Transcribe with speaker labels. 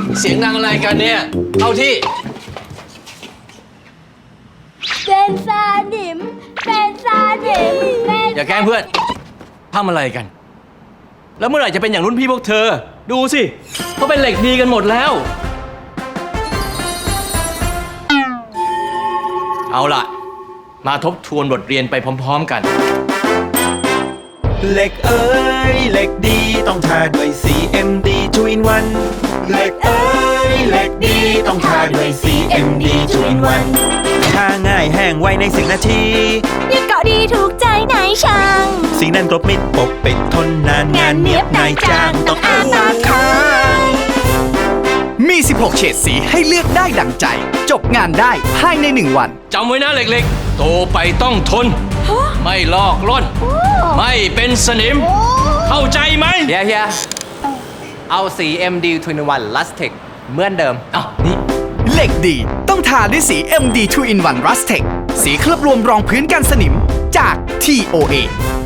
Speaker 1: เสียงดังอะไรกันเนี่ยเข้าที่
Speaker 2: เป็นซาดิมเป็นซาดิมเป็น
Speaker 1: อย่าแกล้งเพื่อนทำอะไรกัน แล้วเมื่อไหร่จะเป็นอย่างรุ่นพี่พวกเธอ ดูสิเขาเป็นเหล็กดีกันหมดแล้ว เอาล่ะ มาทบทวนบทเรียนไปพร้อมๆกัน
Speaker 3: เหล็กเอ้ยเหล็กดีต้องทาด้วย CMD 2 in 1เหล็กเอ้ยเหล็กดีต้องทาด้วย CMD 2 in 1ทาง่ายแห้งไวใน10 นาที
Speaker 2: นี่เกาะดีถูกใจนายช่าง
Speaker 3: สีนั้นกรบมิดปกปิดทนนานงานเนียบนายจ้างต้องอ้าปากค้าง
Speaker 4: มี 16 เฉดสีให้เลือกได้ดังใจ จบงานได้ภายใน1 วัน
Speaker 1: จำไว้นะเล็กๆ โตไปต้องทน ไม่ลอกล่อน ไม่เป็นสนิม เข้าใจไหม
Speaker 5: เฮียเอาสี MD 2-in-1 Lustech เหมือนเดิม
Speaker 1: อ้าวนี่
Speaker 4: เหล็กดีต้องทาด้วยสี MD 2 in 1 Rustech สีเคลือบรวมรองพื้นกันสนิมจาก TOA